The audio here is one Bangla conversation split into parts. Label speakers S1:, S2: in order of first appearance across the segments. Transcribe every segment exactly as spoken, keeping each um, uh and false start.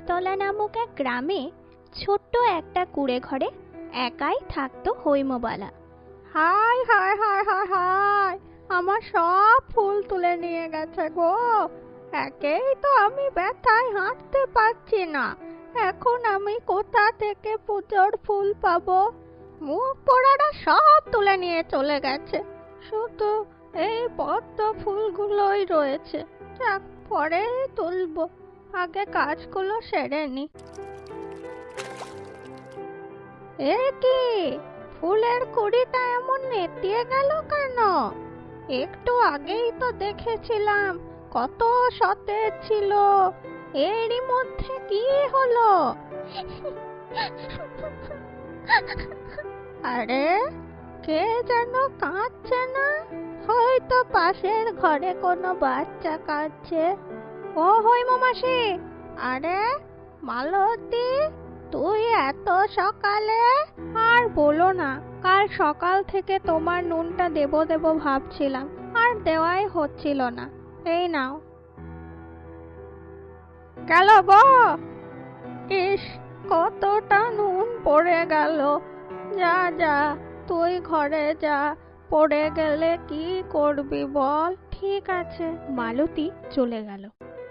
S1: ফুলতলা নামক এক গ্রামে ছোট্ট একটা কুঁড়ে ঘরে একাই থাকতো হৈমবালা।
S2: হায় হায় হায় হায় হায়, আমার সব ফুল তুলে নিয়ে গেছে গো। একেই তো আমি ব্যথায় হাঁটতে পারছি না, এখন আমি কোথা থেকে পুজোর ফুল পাবো? মুখ পোড়ারা সব তুলে নিয়ে চলে গেছে, শুধু এই পদ্ম ফুলগুলোই রয়েছে। যাক, পরে তুলবো, আগে কাজগুলো সেরে নি। এ কি, ফুলের কুড়িটা এমন নেতিয়ে গেল কেন? একটু আগেই তো দেখেছিলাম কত সতেজ ছিল, এরই মধ্যে কি হলো? আরে, কে যেন কাঁদছে না? হয়তো পাশের ঘরে কোনো বাচ্চা কাঁদছে। ও হৈম মাসি, আরে মালতী, তুই এত সকালে? আর বলো না, কাল সকাল থেকে তোমার নুনটা দেবো দেবো ভাবছিলাম, আর দেওয়াই হচ্ছিল না। এই নাও। গেল গো, ইস, কতটা নুন পড়ে গেল। যা যা, তুই ঘরে যা, পড়ে গেলে কি করবি বল?
S1: ঠিক আছে, মালতী চলে গেল।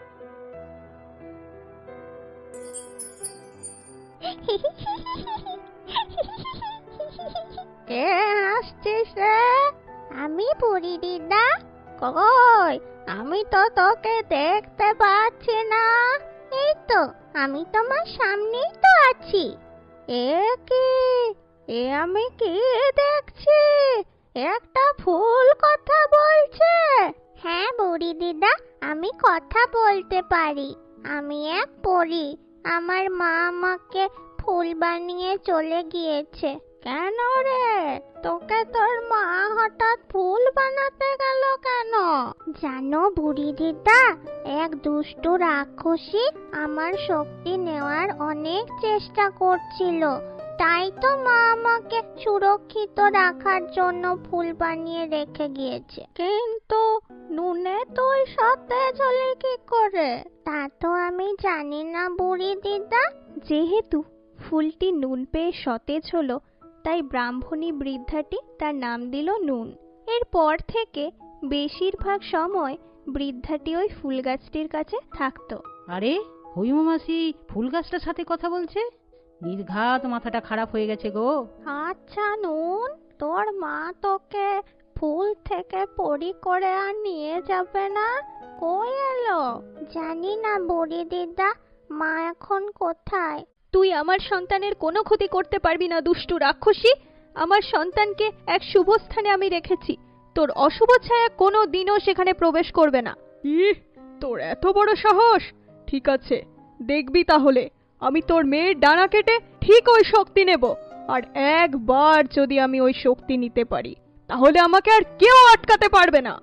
S2: কে আসছিস রে?
S1: আমি বুড়ি দিদা।
S2: কই, আমি তো তোকে দেখতে পাচ্ছি না।
S1: এই তো, আমি তোমার সামনেই তো আছি।
S2: এ কি, এ আমি কি দেখছি? একটা ফুল কথা বলছে।
S1: হ্যাঁ বুড়ি দিদা, আমি কথা বলতে পারি। আমি এক পরী। আমার মা আমাকে ফুল বানিয়ে চলে গিয়েছে।
S2: কেন রে, তোকে তোর মা হঠাৎ ফুল বানাতে গেল কেন?
S1: জানো বুড়ি দিদা, এক দুষ্ট রাক্ষসী আমার শক্তি নেওয়ার অনেক চেষ্টা করছিল। তাই তো মা আমাকে সুরক্ষিত রাখার জন্য ফুল বানিয়ে রেখে গিয়েছে।
S2: কিন্তু নুনে তুই সতেজ হলি কি করে?
S1: তা তো আমি জানি না বুড়ি দিদা।
S3: যেহেতু ফুলটি নুন পেয়ে সতেজ হলো, তাই ব্রাহ্মণী বৃদ্ধাটি তার নাম দিল নুন। এরপর থেকে বেশিরভাগ সময় বৃদ্ধাটি ওই ফুল গাছটির কাছে থাকতো।
S4: আরে, হৈম মাসি ফুল গাছটার সাথে কথা বলছে? নির্ঘাত মাথাটা খারাপ হয়ে গেছে গো।
S2: আচ্ছা নুন, তোর মা তোকে ফুল থেকে পরি করে আর নিয়ে যাবে না? কই এলো?
S1: জানি না বুড়ি দিদা, মা এখন কোথায়?
S3: তুই আমার সন্তানের কোনো ক্ষতি করতে পারবি না দুষ্টু রাক্ষসী। আমার সন্তানকে এক শুভ স্থানে আমি রেখেছি, তোর অশুভ ছায়া কোনো দিনও সেখানে প্রবেশ করবে না।
S5: ইহ, তোর এত বড় সাহস! ঠিক আছে, দেখবি তাহলে আমি তোর মেয়ের ডানা কেটে ঠিক ওই শক্তি নেব। আর একবার যদি আমি ওই শক্তি নিতে পারি, তাহলে আমাকে আর কেউ আটকাতে পারবে না।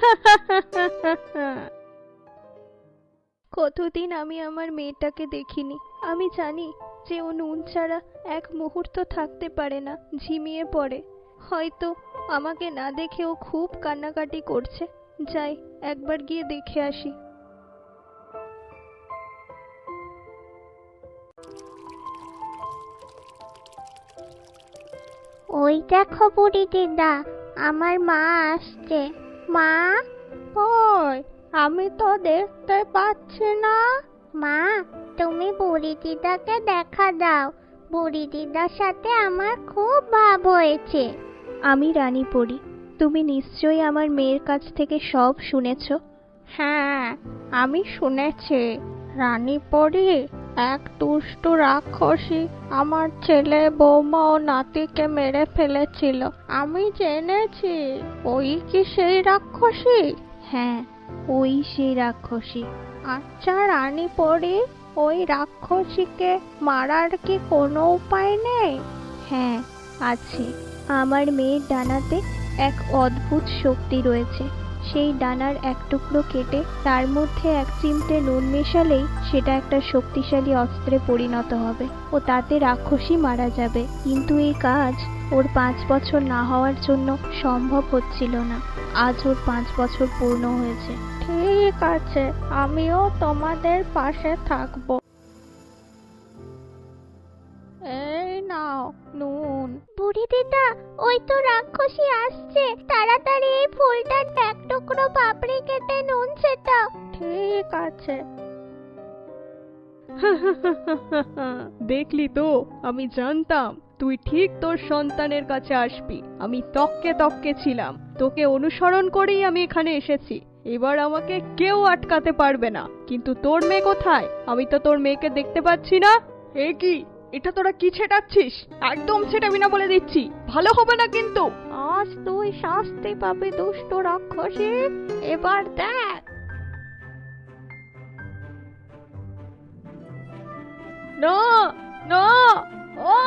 S3: কতদিন আমি আমার মেয়েটাকে দেখিনি। আমি জানি যে ও নুন ছাড়া এক মুহূর্ত থাকতে পারে না, ঝিমিয়ে পড়ে। হয়তো আমাকে না দেখে ও খুব কান্নাকাটি করছে। যাই, একবার গিয়ে দেখে আসি।
S1: ওই দেখো বুড়ি দিদা, আমার মা আসছে। মা,
S2: কই, আমি তো দেখতে পাচ্ছি না।
S1: মা, তুমি বুড়ি দিদাকে দেখা দাও। বুড়ি দিদার সাথে আমার খুব ভাব হয়েছে।
S3: আমি রানী পড়ি, তুমি নিশ্চয়ই আমার মেয়ের কাছ থেকে সব শুনেছ।
S2: হ্যাঁ, আমি শুনেছি। রানী পরি, এক দুষ্ট রাক্ষসী আমার ছেলে, বৌমা ও নাতিকে মেরে ফেলেছিল। আমি জেনেছি। ওই কি সেই রাক্ষসী?
S3: হ্যাঁ, ওই সেই রাক্ষসী।
S2: আচ্ছা রানী পরি, ওই রাক্ষসীকে মারার কি কোনো উপায় নেই?
S3: হ্যাঁ, আছে। আমার মেয়ের ডানাতে এক অদ্ভুত শক্তি রয়েছে। সেই ডানার এক টুকরো কেটে তার মধ্যে এক চিমটে নুন মেশালেই সেটা একটা শক্তিশালী অস্ত্রে পরিণত হবে ও তাতে রাক্ষসী মারা যাবে। কিন্তু এই কাজ ওর পাঁচ বছর না হওয়ার জন্য সম্ভব হচ্ছিল না। আজ ওর পাঁচ বছর পূর্ণ হয়েছে।
S2: ঠিক আছে, আমিও তোমাদের পাশে থাকবো। নুন।
S1: বুড়ি দিদা, ওই তো রাক্ষসী আসছে, তাড়াতাড়ি এই ফুলটা এক টুকরো পাপড়ি কেটে নুন ছেটাও।
S2: ঠিক আছে।
S5: দেখলি তো, আমি জানতাম তুই ঠিক তোর সন্তানের কাছে আসবি। আমি তককে তককে ছিলাম, তোকে অনুসরণ করেই আমি এখানে এসেছি। এবার আমাকে কেউ আটকাতে পারবে না। কিন্তু তোর মেয়ে কোথায়? আমি তো তোর মেয়েকে দেখতে পাচ্ছি না। এ কি, এটা তোরা কি ছেটাচ্ছিস? একদম ছেটাবি না বলে দিচ্ছি, ভালো হবে না কিন্তু।
S2: আজ তুই শাস্তি পাবি দুষ্ট রাক্ষসী, এবার দেখ।
S5: না না, আ!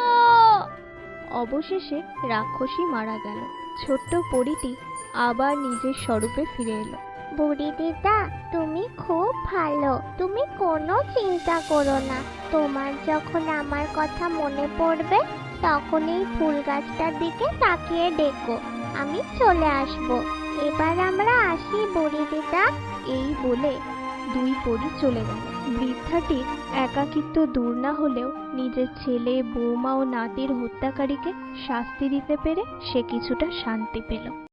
S3: অবশেষে রাক্ষসী মারা গেল। ছোট্ট পরীটি আবার নিজের স্বরূপে ফিরে এলো।
S1: বুড়ি দিদা, তুমি খুব ভালো, তুমি কোনো চিন্তা করো না। তোমার যখন আমার কথা মনে পড়বে তখন এই ফুল গাছটার দিকে তাকিয়ে ডেকো, আমি চলে আসব। এবার আমরা আসি বুড়ি দিদা।
S3: এই বলে দুই পরী চলে গেল। বৃদ্ধাটির একাকিত্ব দূর না হলেও নিজের ছেলে, বৌমা ও নাতির হত্যাকারীকে শাস্তি দিতে পেরে সে কিছুটা শান্তি পেল।